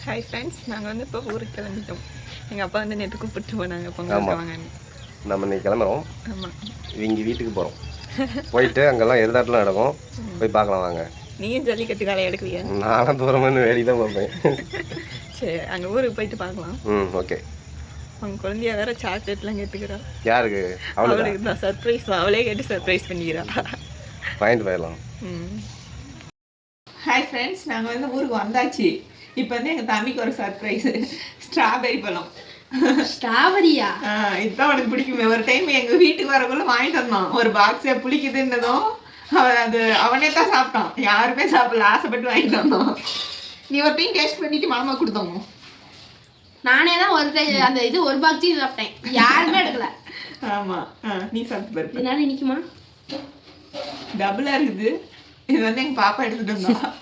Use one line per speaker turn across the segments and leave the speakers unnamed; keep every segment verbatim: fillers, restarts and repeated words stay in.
Hi friends, நாங்கள் வந்து இப்போ ஊருக்கு கிளம்பிட்டோம். எங்கள் அப்பா வந்து நேற்று கூப்பிட்டு போனாங்க பொங்கல் வாங்கன்னு.
நம்ம இன்னைக்கு கிளம்புறோம்.
ஆமாம்,
இவங்க வீட்டுக்கு போகிறோம். போயிட்டு அங்கெல்லாம் எதிர்த்தாட்டில் நடக்கும், போய் பார்க்கலாம் வாங்க.
நீயும் ஜல்லிக்கட்டு காலை எடுக்குவியா?
நானும் தூரமாக வேடி தான் பார்ப்பேன்.
சரி, அங்கே ஊருக்கு போயிட்டு பார்க்கலாம்.
ம் ஓகே.
அவங்க குழந்தைய வேற சாக்லேட்லாம் கேட்டுக்கிறா.
யாருக்கு?
அவளுக்கு தான் சர்ப்ரைஸ். அவளே கேட்டு சர்ப்ரைஸ் பண்ணிக்கிறா.
வாங்கிட்டு போயிடலாம்.
ம் ஹாய் ஃப்ரெண்ட்ஸ், நாங்கள் வந்து ஊருக்கு வந்தாச்சு. இப்போ வந்து எங்கள் தம்பிக்கு ஒரு சர்ப்ரைஸ், ஸ்ட்ராபெரி பழம்.
ஸ்ட்ராபெரியா?
ஆ, இதுதான் உனக்கு பிடிக்குமே. ஒரு டைம் எங்கள் வீட்டுக்கு வரக்குள்ள வாங்கிட்டு வந்தான். ஒரு பாக்ஸே புளிக்குதுன்னதும் அவன் அது அவனே தான் சாப்பிட்டான். யாருமே சாப்பிடல, ஆசைப்பட்டு வாங்கிட்டு வந்தோம். நீ ஒரு டைம் டேஸ்ட் பண்ணிட்டு மாமா கொடுத்தோம்.
நானே தான் ஒரு டைம் அந்த இது ஒரு பாக்ஸி சாப்பிட்டேன், யாருமே எடுக்கல.
ஆமாம், ஆ நீ சாப்பிட்டு பாரு.
என்னால் நிற்குமா?
டபுளாக இருக்குது. இது வந்து எங்கள் பாப்பா எடுத்துகிட்டு வந்தா.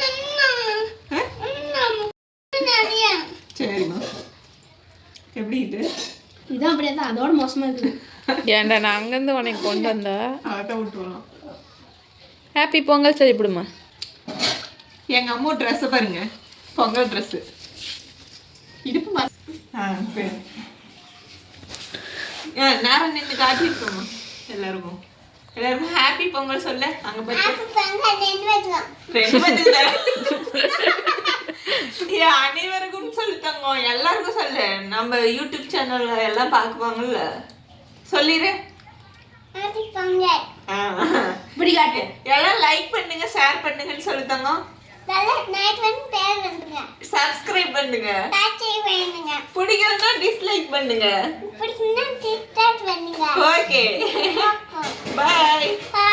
சரிம்மா, எப்படி இது?
இதுதான் அப்படியே தான், அதோட மோசமா இருக்குது.
ஏன்டா நான் அங்கேருந்து உனக்கு கொண்டு வந்தா?
அதான் விட்டுருவோம்.
ஹாப்பி பொங்கல் சொல்லிவிடுமா.
எங்கள் அம்மா ட்ரெஸ்ஸை பாருங்க, பொங்கல் ட்ரெஸ்ஸு. இடுப்பு மா ஆ சரி. ஆ நேரம் நின்று காட்டியிருக்கோம்மா. எல்லாருக்கும் எல்லாருக்கும் ஹாப்பி பொங்கல் சொல்ல. அங்கே போய் அனைவருக்கும் சொல்லித்தாங்க, எல்லாருக்கும் சொல்லு. நம்ம யூடியூப் சேனல்ல எல்லாம் பார்க்குவாங்கல்ல, சொல்லிடு.
இப்படி காட்டு.
எல்லாம் லைக் பண்ணுங்க, ஷேர் பண்ணுங்கன்னு சொல்லித்தாங்க. சப்ஸ்கிரைப் பண்ணுங்க. பிடிக்கலன்னா டிஸ்லைக் பண்ணுங்க. Okay, by.